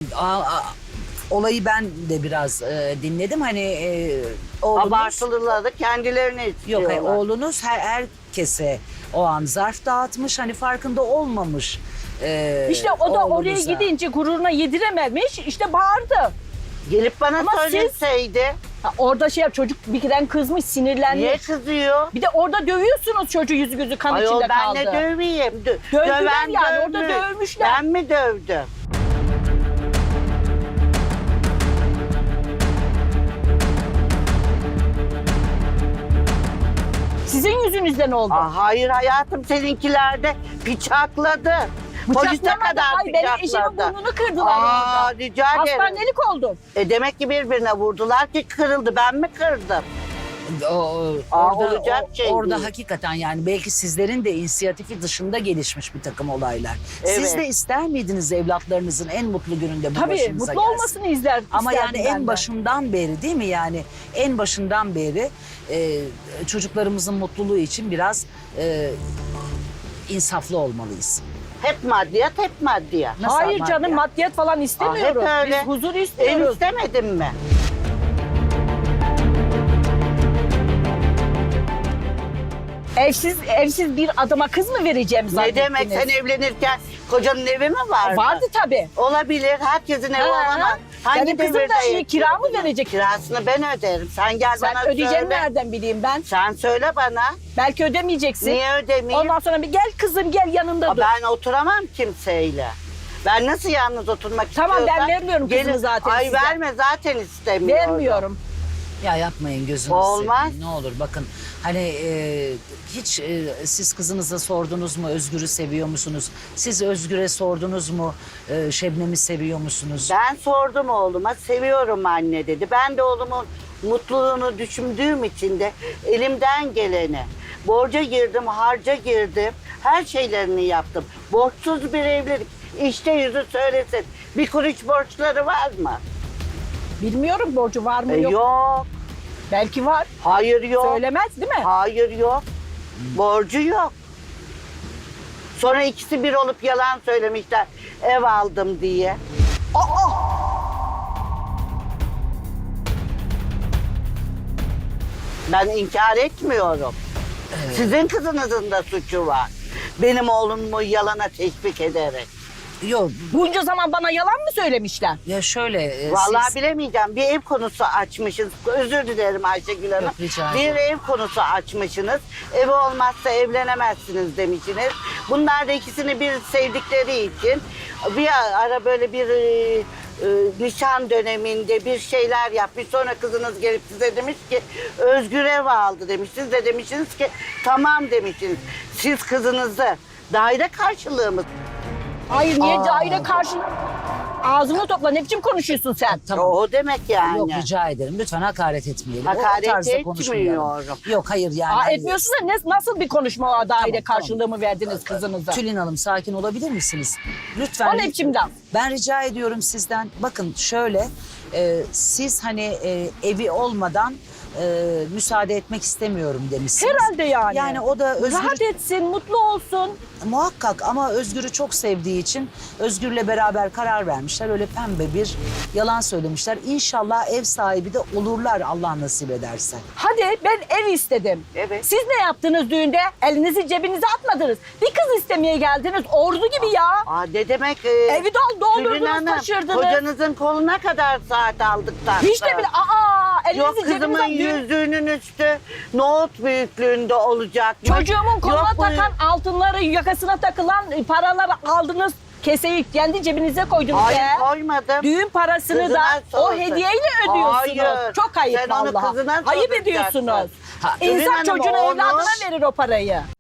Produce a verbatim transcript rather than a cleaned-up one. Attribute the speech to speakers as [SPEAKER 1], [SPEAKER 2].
[SPEAKER 1] a- a- olayı ben de biraz e, dinledim. Hani e, oğlunuz...
[SPEAKER 2] Abartılıları kendilerine
[SPEAKER 1] Yok
[SPEAKER 2] istiyorlar.
[SPEAKER 1] hayır, oğlunuz her, herkese o an zarf dağıtmış. Hani farkında olmamış. e,
[SPEAKER 3] İşte o da oraya
[SPEAKER 1] oğlunuza.
[SPEAKER 3] gidince gururuna yedirememiş, işte bağırdı.
[SPEAKER 2] Gelip bana
[SPEAKER 3] Ama siz-
[SPEAKER 2] söyleseydi.
[SPEAKER 3] Ha, orada şey yap, çocuk bir kere kızmış, sinirlenmiş.
[SPEAKER 2] Niye kızıyor?
[SPEAKER 3] Bir de orada dövüyorsunuz çocuğu, yüzü gözü kan
[SPEAKER 2] Ayol
[SPEAKER 3] içinde
[SPEAKER 2] ben
[SPEAKER 3] kaldı.
[SPEAKER 2] ne döveyim? Dö-
[SPEAKER 3] Dövdüler
[SPEAKER 2] Döven
[SPEAKER 3] yani, orada
[SPEAKER 2] dövmüş.
[SPEAKER 3] dövmüşler.
[SPEAKER 2] Ben mi dövdüm?
[SPEAKER 3] Sizin yüzünüzden oldu.
[SPEAKER 2] Aa, hayır hayatım, seninkiler bıçakladı. Polise
[SPEAKER 3] Bıçaklamadı.
[SPEAKER 2] kadar
[SPEAKER 3] Ay, benim eşimin
[SPEAKER 2] bıçakladı.
[SPEAKER 3] burnunu kırdılar
[SPEAKER 2] Aa,
[SPEAKER 3] orada.
[SPEAKER 2] rica ederim.
[SPEAKER 3] Hastanelik oldum.
[SPEAKER 2] E demek ki birbirine vurdular ki kırıldı. Ben mi kırdım?
[SPEAKER 1] O, o-
[SPEAKER 2] Aa,
[SPEAKER 1] orada,
[SPEAKER 2] olacak
[SPEAKER 1] o-
[SPEAKER 2] şey
[SPEAKER 1] orada
[SPEAKER 2] değil.
[SPEAKER 1] hakikaten yani belki sizlerin de inisiyatifi dışında gelişmiş bir takım olaylar. Siz
[SPEAKER 2] Evet.
[SPEAKER 1] de ister miydiniz evlatlarınızın en mutlu gününde bu
[SPEAKER 3] Tabii
[SPEAKER 1] başınıza
[SPEAKER 3] mutlu
[SPEAKER 1] gelsin?
[SPEAKER 3] olmasını izler.
[SPEAKER 1] Ama
[SPEAKER 3] isterdim
[SPEAKER 1] yani
[SPEAKER 3] ben
[SPEAKER 1] en
[SPEAKER 3] de.
[SPEAKER 1] başından beri değil mi yani en başından beri e, çocuklarımızın mutluluğu için biraz e, insaflı olmalıyız.
[SPEAKER 2] Hep maddiyat, hep maddiyat.
[SPEAKER 1] Nasıl
[SPEAKER 3] Hayır
[SPEAKER 1] ama
[SPEAKER 3] canım,
[SPEAKER 1] ya?
[SPEAKER 3] maddiyat falan istemiyoruz.
[SPEAKER 2] Aa, hep öyle.
[SPEAKER 3] Biz huzur
[SPEAKER 2] En
[SPEAKER 3] istiyoruz.
[SPEAKER 2] istemedim mi?
[SPEAKER 3] Evsiz evsiz bir adama kız mı vereceğim
[SPEAKER 2] Ne
[SPEAKER 3] zannettiniz?
[SPEAKER 2] demek, sen evlenirken kocanın evi mi vardı?
[SPEAKER 3] Vardı tabii.
[SPEAKER 2] Olabilir, herkesin evi
[SPEAKER 3] Ha,
[SPEAKER 2] olamaz. Hangi
[SPEAKER 3] benim kızım
[SPEAKER 2] devirde
[SPEAKER 3] da şimdi
[SPEAKER 2] yaşıyor
[SPEAKER 3] kira mı
[SPEAKER 2] bunlar?
[SPEAKER 3] verecek?
[SPEAKER 2] Kirasını ben öderim. Sen gel
[SPEAKER 3] Sen
[SPEAKER 2] bana
[SPEAKER 3] ödeyeceğini
[SPEAKER 2] söyle.
[SPEAKER 3] nereden bileyim ben?
[SPEAKER 2] Sen söyle bana.
[SPEAKER 3] Belki ödemeyeceksin.
[SPEAKER 2] Niye ödemeyeyim?
[SPEAKER 3] Ondan sonra bir gel kızım, gel yanında
[SPEAKER 2] Aa,
[SPEAKER 3] dur.
[SPEAKER 2] ben oturamam kimseyle. Ben nasıl yalnız oturmak
[SPEAKER 3] Tamam, ben
[SPEAKER 2] istiyorsam...
[SPEAKER 3] vermiyorum kızımı zaten
[SPEAKER 2] Ay
[SPEAKER 3] size.
[SPEAKER 2] verme, zaten istemiyorum.
[SPEAKER 3] Vermiyorum.
[SPEAKER 1] Ya yapmayın, gözünüzü
[SPEAKER 2] Olmaz.
[SPEAKER 1] seveyim. Ne olur bakın hani e, hiç e, siz kızınıza sordunuz mu Özgür'ü seviyor musunuz? Siz Özgür'e sordunuz mu e, Şebnem'i seviyor musunuz?
[SPEAKER 2] Ben sordum oğluma, seviyorum anne dedi. Ben de oğlumun mutluluğunu düşündüğüm için de elimden geleni, borca girdim, harca girdim, her şeylerini yaptım. Borçsuz bir evlilik. İşte yüzü söylesin. Bir kuruş borçları var mı?
[SPEAKER 3] Bilmiyorum borcu var mı
[SPEAKER 2] E,
[SPEAKER 3] yok.
[SPEAKER 2] yok.
[SPEAKER 3] Belki var.
[SPEAKER 2] Hayır yok.
[SPEAKER 3] Söylemez değil mi?
[SPEAKER 2] Hayır yok. Borcu yok. Sonra ikisi bir olup yalan söylemişler. Ev aldım diye. Aa! Ben inkar etmiyorum. Sizin kızınızın da suçu var. Benim oğlumu yalana teşvik ederek.
[SPEAKER 1] Yok
[SPEAKER 3] Bunca zaman bana yalan mı söylemişler?
[SPEAKER 1] ya şöyle e,
[SPEAKER 2] Vallahi
[SPEAKER 1] siz...
[SPEAKER 2] bilemeyeceğim. Bir ev konusu açmışız. Özür dilerim Ayşegül Hanım.
[SPEAKER 1] Yok, rica
[SPEAKER 2] Bir
[SPEAKER 1] ederim.
[SPEAKER 2] ev konusu açmışsınız. Evi olmazsa evlenemezsiniz demişsiniz. Bunlar da ikisini bir sevdikleri için bir ara böyle bir e, e, nişan döneminde bir şeyler yapmış. Sonra kızınız gelip size demiş ki Özgür ev aldı demiş. Siz de demişsiniz ki tamam demişsiniz. Siz kızınızı daire karşılığı mı?
[SPEAKER 3] Hayır, niye
[SPEAKER 1] Aa.
[SPEAKER 3] daire karşı... Ağzını topla, ne biçim konuşuyorsun sen?
[SPEAKER 1] Tamam.
[SPEAKER 2] O demek yani.
[SPEAKER 1] Yok rica ederim. Lütfen hakaret etmeyelim. O- o
[SPEAKER 2] Hakaret
[SPEAKER 1] tarzda konuşmayalım.
[SPEAKER 2] etmiyorum.
[SPEAKER 1] Yok hayır yani.
[SPEAKER 3] Aa,
[SPEAKER 1] hani-
[SPEAKER 3] etmiyorsun da ne, nasıl bir konuşma o daire
[SPEAKER 1] Tamam,
[SPEAKER 3] karşılığı mı verdiniz kızınıza?
[SPEAKER 1] Tülin Hanım sakin olabilir misiniz? Lütfen.
[SPEAKER 3] O ne biçim laf?
[SPEAKER 1] Ben rica ediyorum sizden. Bakın şöyle e, siz hani e, evi olmadan e, müsaade etmek istemiyorum demişsiniz.
[SPEAKER 3] Herhalde yani.
[SPEAKER 1] Yani o da Özgür
[SPEAKER 3] Rahat etsin, mutlu olsun.
[SPEAKER 1] muhakkak ama Özgür'ü çok sevdiği için Özgür'le beraber karar vermişler. Öyle pembe bir yalan söylemişler. İnşallah ev sahibi de olurlar Allah nasip ederse.
[SPEAKER 3] Hadi ben ev istedim.
[SPEAKER 2] Evet.
[SPEAKER 3] Siz ne yaptınız düğünde? Elinizi cebinize atmadınız. Bir kız istemeye geldiniz. Ordu gibi ya.
[SPEAKER 2] Aa, ne demek? E,
[SPEAKER 3] Evi dol doldurdunuz,
[SPEAKER 2] Tülin Hanım,
[SPEAKER 3] taşırdınız.
[SPEAKER 2] kocanızın koluna kadar saat aldıktan
[SPEAKER 3] Hiç de bile aa elinizi
[SPEAKER 2] Yok kızımın
[SPEAKER 3] cebinize düğün.
[SPEAKER 2] yüzüğünün üstü nohut büyüklüğünde olacak.
[SPEAKER 3] Çocuğumun koluna
[SPEAKER 2] Yok bu-
[SPEAKER 3] takan altınları, yakasına takılan paraları aldınız. Keseyi kendi cebinize koydunuz
[SPEAKER 2] Hayır
[SPEAKER 3] be.
[SPEAKER 2] koymadım.
[SPEAKER 3] Düğün parasını
[SPEAKER 2] Kızına
[SPEAKER 3] da o
[SPEAKER 2] sorsun.
[SPEAKER 3] hediyeyle ödüyorsunuz.
[SPEAKER 2] Hayır.
[SPEAKER 3] Çok ayıp
[SPEAKER 2] Sen onu
[SPEAKER 3] vallahi.
[SPEAKER 2] kızına
[SPEAKER 3] Ayıp
[SPEAKER 2] soracaksın.
[SPEAKER 3] ediyorsunuz.
[SPEAKER 2] Ha, Tülin
[SPEAKER 3] İnsan
[SPEAKER 2] Hanım,
[SPEAKER 3] çocuğuna
[SPEAKER 2] onu-
[SPEAKER 3] evladına verir o parayı.